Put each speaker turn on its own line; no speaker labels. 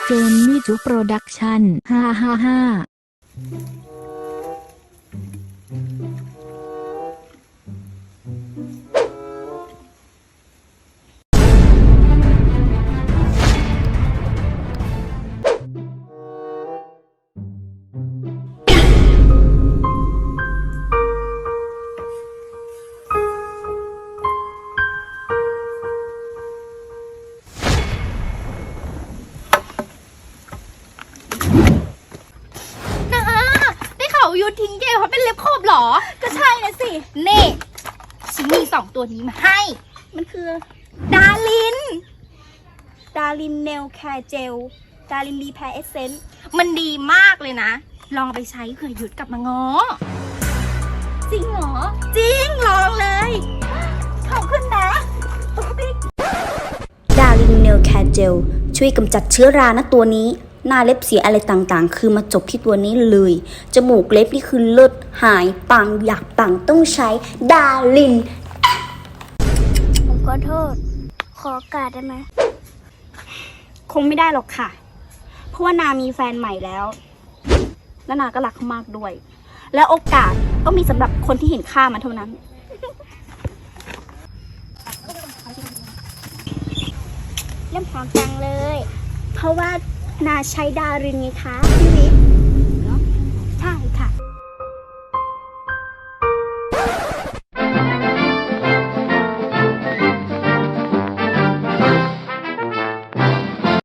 เจนนี่จุโปรดักชั่น555
ยูทิ้งเกลเขาเป็นเล็บขบหรอก็ใช่นะสิเน่ฉันมี2ตัวนี้มาให้มันคือดารินเนลแคร์เจลดารินรีแพร์เอสเซนต์มันดีมากเลยนะลองไปใช้เผื่อหยุดกลับมาง้อจริงเหรอจริงลองเลยขอบคุณนะ
ดารินเนลแคร์เจลช่วยกำจัดเชื้อรานะตัวนี้หน้าเล็บเสียอะไรต่างๆคือมาจบที่ตัวนี้เลยจมูกเล็บนี่คือเลิศหายปังอยากปังต้องใช้ดาริน
ผมขอโทษขอโอกาสได้ไหม
คงไม่ได้หรอกค่ะเพราะว่านามีแฟนใหม่แล้วและนาก็รักเขามากด้วยและโอกาสก็มีสำหรับคนที่เห็นค่ามันเท่านั้น
เริ่มหอมจังเลยเพราะว่านาใช้ดารินไงคะ
พี่วิ